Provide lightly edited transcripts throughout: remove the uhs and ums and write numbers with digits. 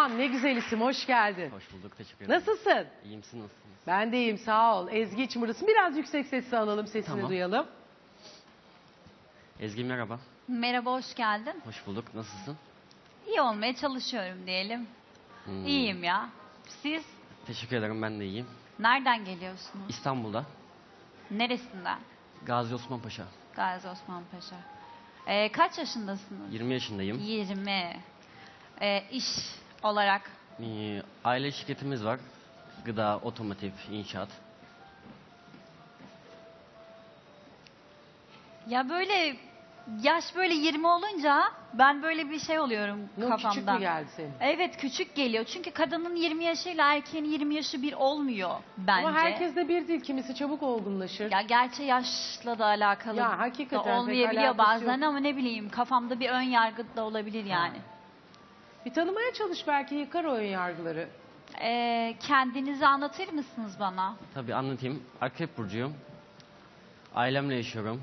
Can ne güzel isim, hoş geldin. Hoş bulduk, teşekkür ederim. Nasılsın? İyiyim, siz nasılsınız? Ben de iyiyim, sağ ol. Ezgi İçmırısın. Biraz yüksek sesle alalım, sesini Tamam. duyalım. Ezgi merhaba. Merhaba, hoş geldin. Hoş bulduk, nasılsın? İyi olmaya çalışıyorum diyelim. İyiyim ya. Siz Teşekkür ederim, ben de iyiyim. nereden geliyorsunuz? İstanbul'da, Neresinden? Gazi Osman Paşa. Gazi Osman Paşa. Kaç yaşındasınız? 20 yaşındayım. 20. İş olarak? Aile şirketimiz var. Gıda, otomotiv, inşaat. Ya böyle yaş böyle 20 olunca ben böyle bir şey oluyorum Ne, kafamda. küçük mü geldi senin? Evet, küçük geliyor. Çünkü kadının 20 yaşıyla erkeğin 20 yaşı bir olmuyor bence. Ama herkes de bir değil, kimisi çabuk olgunlaşır. Ya gerçi yaşla da alakalı Ya hakikaten da pek olmayabiliyor alakası bazen yok. ama ne bileyim kafamda bir ön yargı da olabilir yani. Bir tanımaya çalış, belki yıkar o ön yargıları. Kendinizi anlatır mısınız bana? Tabii anlatayım. Akrep burcuyum. Ailemle yaşıyorum.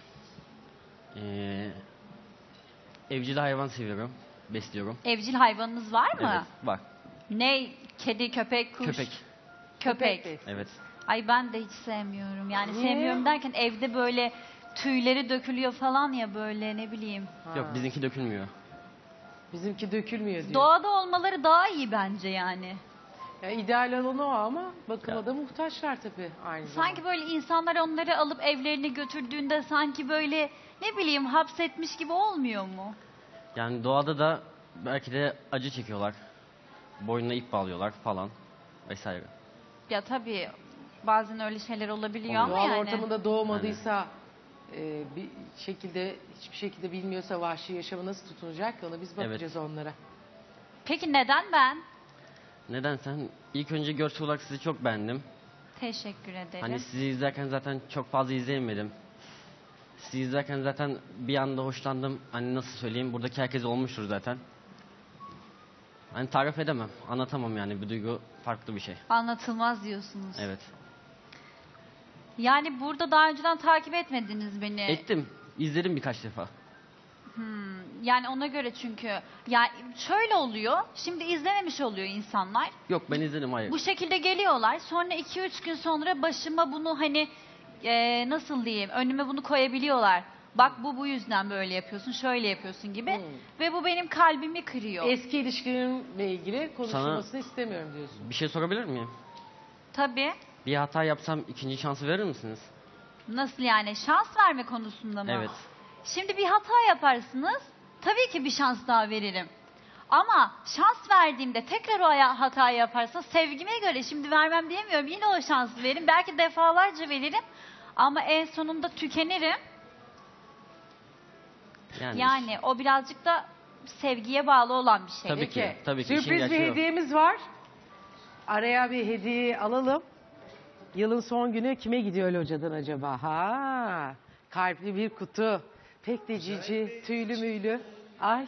Evcil hayvan seviyorum. Besliyorum. Evcil hayvanınız var mı? Evet, var. Ne? Kedi, köpek, kuş? Köpek. Köpek. Köpek. Evet. Ay ben de hiç sevmiyorum. Yani Niye? sevmiyorum derken evde böyle tüyleri dökülüyor falan ya böyle ne bileyim. Yok, bizimki dökülmüyor. Bizimki dökülmüyor diyor. Doğada olmaları daha iyi bence yani. Ya, ideal olan o ama bakıma Ya. da muhtaçlar tabii aynı zamanda. Sanki böyle insanlar onları alıp evlerine götürdüğünde sanki böyle ne bileyim hapsetmiş gibi olmuyor mu? Yani doğada da belki de acı çekiyorlar. Boynuna ip bağlıyorlar falan vesaire. Ya tabii bazen öyle şeyler olabiliyor ama Doğal yani. ortamında doğmadıysa bir şekilde, hiçbir şekilde bilmiyorsa vahşi yaşamı nasıl tutunacak ki, ona biz bakacağız onlara. Peki neden ben? Neden sen? İlk önce görsel olarak sizi çok beğendim. Teşekkür ederim. Hani sizi izlerken zaten çok fazla izleyemedim. Sizi izlerken zaten bir anda hoşlandım. Hani nasıl söyleyeyim, buradaki herkes olmuştur zaten. Hani tarif edemem, anlatamam yani, bir duygu farklı bir şey. Anlatılmaz diyorsunuz. Evet. Yani burada daha önceden takip etmediniz beni. Ettim, izledim birkaç defa. Yani ona göre çünkü. Ya şöyle oluyor. Şimdi izlememiş oluyor insanlar. Yok, ben izledim, hayır. Bu şekilde geliyorlar. Sonra 2-3 gün sonra başıma bunu hani nasıl diyeyim önüme bunu koyabiliyorlar. Bak bu yüzden böyle yapıyorsun, şöyle yapıyorsun gibi. Ve bu benim kalbimi kırıyor. Eski ilişkilerimle ilgili konuşulmasını istemiyorum diyorsun. Bir şey sorabilir miyim? Tabii. Bir hata yapsam ikinci şansı verir misiniz? Nasıl yani? Şans verme konusunda mı? Evet. Şimdi bir hata yaparsınız. Tabii ki bir şans daha veririm. Ama şans verdiğimde tekrar o hatayı yaparsa sevgime göre şimdi vermem diyemiyorum. Yine o şansı veririm. Belki defalarca veririm. Ama en sonunda tükenirim. Yani o birazcık da sevgiye bağlı olan bir şey. Tabii ki, tabii ki. İşin Sürpriz bir gerçeği o. hediyemiz var. Araya bir hediye alalım. Yılın son günü kime gidiyor locadan acaba? Ha, kalpli bir kutu. Pek de cici, tüylü müylü. Ay.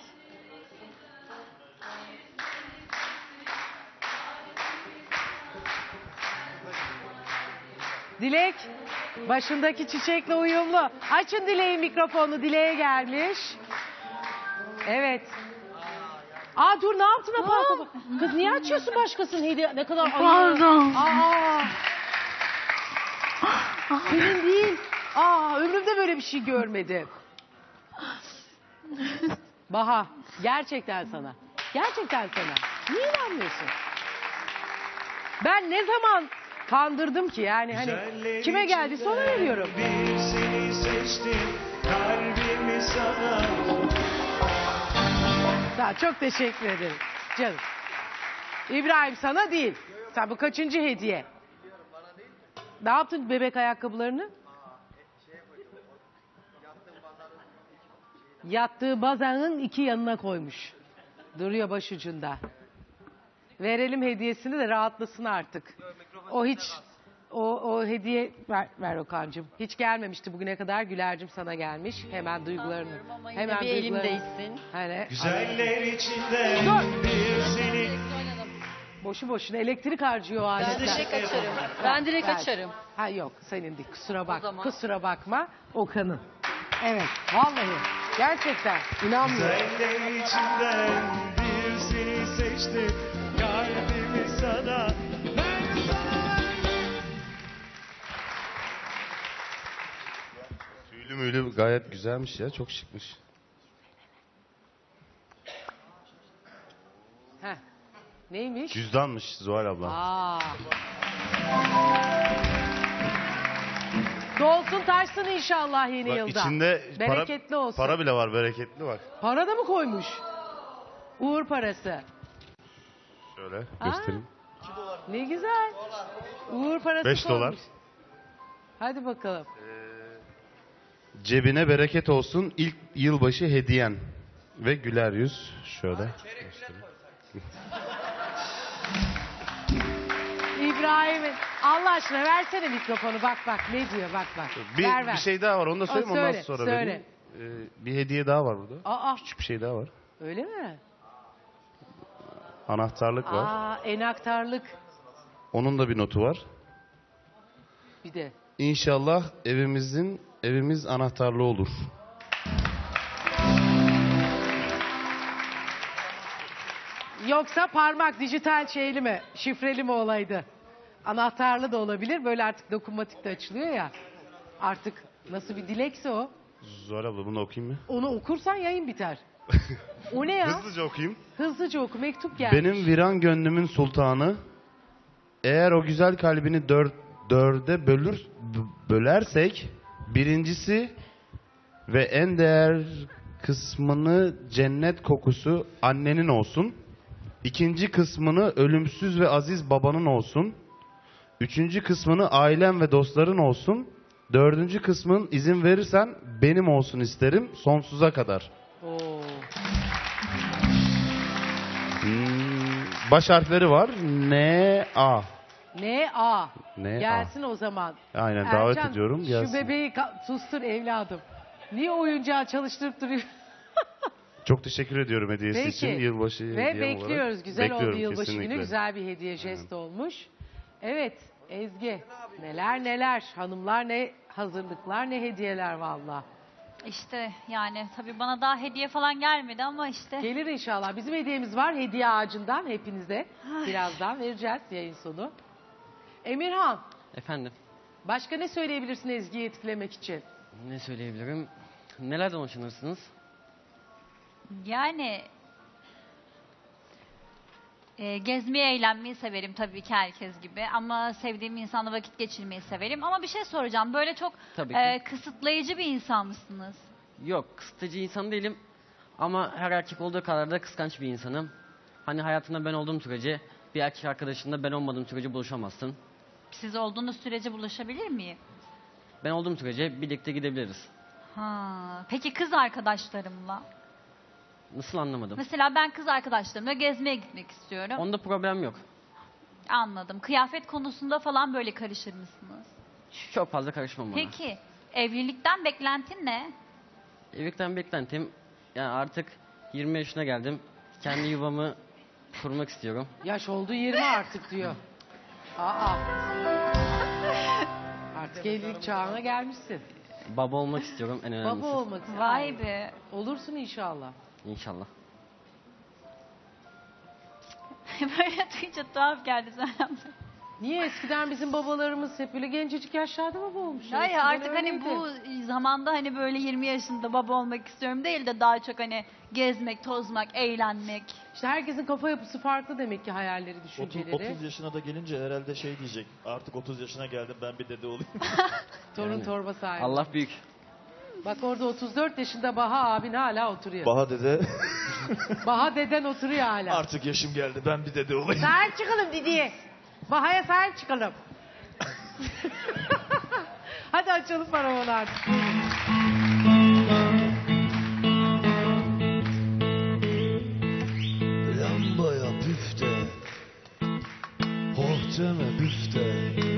Dilek, başındaki çiçekle uyumlu. Açın Dilek'in mikrofonu, Dilek'e gelmiş. Evet. Aa dur, ne yaptın apar topar? Kız niye açıyorsun başkasının hediye? Ne kadar Pardon. Aa. Senin değil. Aa, ömrümde böyle bir şey görmedim. Baha, gerçekten sana. Gerçekten sana. Niye inanmıyorsun? Ben ne zaman kandırdım ki yani, hani kime geldiyse ona veriyorum. Bir seni seçtim, kalbimi sana. Çok teşekkür ederim canım. İbrahim sana değil. Sen bu kaçıncı hediye? Ne yaptın bebek ayakkabılarını? Yattığı bazanın iki yanına koymuş. Duruyor başucunda. Verelim hediyesini de rahatlasın artık. O hiç o hediye ver Okan'cığım. Hiç gelmemişti bugüne kadar. Güler'cim sana gelmiş. Hemen duygularını. Hemen bir elimdeysin. Hani Güzeller içinde Dur. bir seni. boşu boşuna elektrik harcıyor o aletler. Direkt açarım. Ben direkt Ver. açarım. Ha yok, senin değil, kusura bak. zaman. Kusura bakma, Okan'ın. Evet, vallahi gerçekten inanmıyorum. Güzeller içinden bir seni seçtim. seçtim kalbimi sana. Ben sana Tüylü müylü gayet güzelmiş ya. Çok şıkmış. Heh. Neymiş? Cüzdanmış Zuhal abla. Aa. Dolsun taşsın inşallah yeni Bak, yılda. içinde Bereketli olsun. para bile var, bereketli var. Para da mı koymuş? Uğur parası. Şöyle göstereyim. Ne güzel. Uğur parası 5 dolar. koymuş. Hadi bakalım. Cebine bereket olsun ilk yılbaşı hediyen. Ve güler yüz. Şöyle. İbrahim'in Allah aşkına versene mikrofonu bak ne diyor bak. Ver. Bir şey daha var, onu da söyleyeyim, ondan söyle, sonra söyle. vereyim. Bir hediye daha var burada. Aa Küçük bir şey daha var. öyle mi? Anahtarlık var. Aa enaktarlık Onun da bir notu var. bir de. İnşallah evimiz anahtarlı olur. Yoksa parmak dijital şeyli mi şifreli mi olaydı? Anahtarlı da olabilir böyle artık dokunmatik de açılıyor ya. Artık nasıl bir dilekse o. Zuhal abla bunu okuyayım mı? Onu okursan yayın biter. O ne ya? Hızlıca okuyayım. Hızlıca oku mektup gelmiş. Benim viran gönlümün sultanı, eğer o güzel kalbini dörde bölersek, birincisi ve en değer kısmını cennet kokusu annenin olsun. İkinci kısmını ölümsüz ve aziz babanın olsun. Üçüncü kısmını ailem ve dostların olsun. Dördüncü kısmın izin verirsen benim olsun isterim sonsuza kadar. Oo. Baş harfleri var. N-A. N.A. N.A. Gelsin o zaman. Aynen, davet Ercan, ediyorum. Gelsin. Şu bebeği sustur evladım. Niye oyuncağı çalıştırıp duruyor? Çok teşekkür ediyorum hediyesi Peki. için. Yılbaşı Ve hediyem bekliyoruz. olarak. Güzel oldu Bekliyorum, yılbaşı kesinlikle. günü. Güzel bir hediye jest olmuş. Evet Ezgi. Neler hanımlar ne hazırlıklar ne hediyeler valla. İşte yani tabii bana daha hediye falan gelmedi ama işte. Gelir inşallah. Bizim hediyemiz var hediye ağacından hepinize. Birazdan vereceğiz yayın sonu. Emirhan Efendim, başka ne söyleyebilirsin Ezgi'yi etkilemek için? ne söyleyebilirim? Nelerden hoşlanırsınız? Yani gezmeyi, eğlenmeyi severim tabii ki herkes gibi. Ama sevdiğim insanla vakit geçirmeyi severim. Ama bir şey soracağım. Böyle çok Tabii ki. kısıtlayıcı bir insan mısınız? Yok, kısıtıcı insan değilim. Ama her erkek olduğu kadar da kıskanç bir insanım. Hani hayatında ben olduğum sürece, bir erkek arkadaşında ben olmadığım sürece buluşamazsın. Siz olduğunuz sürece bulaşabilir miyim? Ben olduğum sürece birlikte gidebiliriz. Ha. Peki kız arkadaşlarımla? Nasıl, anlamadım. Mesela ben kız arkadaşlarımla gezmeye gitmek istiyorum. Onda problem yok. Anladım. Kıyafet konusunda falan böyle karışır mısınız? Çok fazla karışmam bana. Peki evlilikten beklentin ne? Evlilikten beklentim, yani artık 20 yaşına geldim. Kendi yuvamı kurmak istiyorum. Yaş oldu 20 artık diyor. Aa. Artık evlilik çağına gelmişsin. Baba olmak istiyorum en önemlisi. Baba olmak istiyorsun. Vay be. Olursun inşallah. İnşallah. Böyle duyunca tuhaf geldi sana. Niye eskiden bizim babalarımız hep böyle gencecik yaşlarda baba olmuş? Hayır Eskiden artık hani öyleydi. bu zamanda hani böyle 20 yaşında baba olmak istiyorum değil de daha çok hani gezmek, tozmak, eğlenmek. İşte herkesin kafa yapısı farklı demek ki hayalleri, 30, düşünceleri. 30 yaşına da gelince herhalde şey diyecek. Artık 30 yaşına geldim, ben bir dede olayım. Torun Yani. torba sahibi. Allah büyük. Bak orada 34 yaşında Baha abin hala oturuyor. Baha dede Baha deden oturuyor hala. artık yaşım geldi, ben bir dede olayım. Sahip çıkalım Didi'ye. Baha'ya sahip çıkalım. Hadi açalım paravanı artık. Lambaya püfte, hohteme büfte,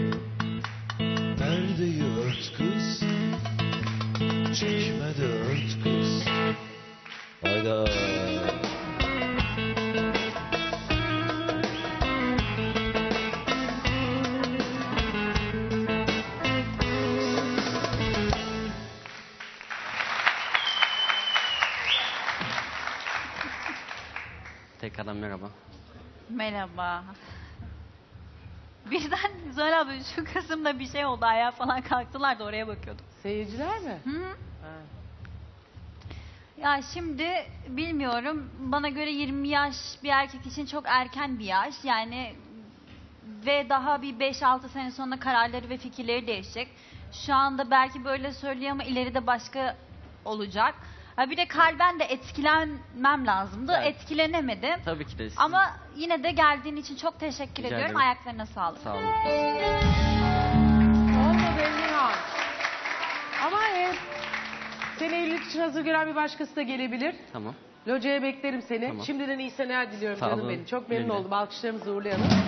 perdeyi ört kız, çekme de ört kız. Hayda. Tekrardan merhaba. Merhaba. Birden Zuhal abi şu kısımda bir şey oldu. Ayağa falan kalktılar da oraya bakıyordum. Seyirciler mi? Hı hı. Ha. Ya şimdi bilmiyorum. Bana göre 20 yaş bir erkek için çok erken bir yaş. Yani ve daha bir 5-6 sene sonra kararları ve fikirleri değişecek. Şu anda belki böyle söylüyor ama ileride başka olacak. Ha bir de kalben de etkilenmem lazımdı. Evet. Etkilenemedim. Tabii ki de. Ama yine de geldiğin için çok teşekkür Rica ediyorum. ederim. Ayaklarına sağlık. Sağ olun. Olmadı Emirhan. Ama seni evlilik için hazır gören bir başkası da gelebilir. Tamam. Locaya beklerim seni. Tamam. Şimdiden iyi seneler diliyorum Sağ canım olun. benim. Çok memnun Güle güle. oldum. Alkışlarımızı uğurlayalım.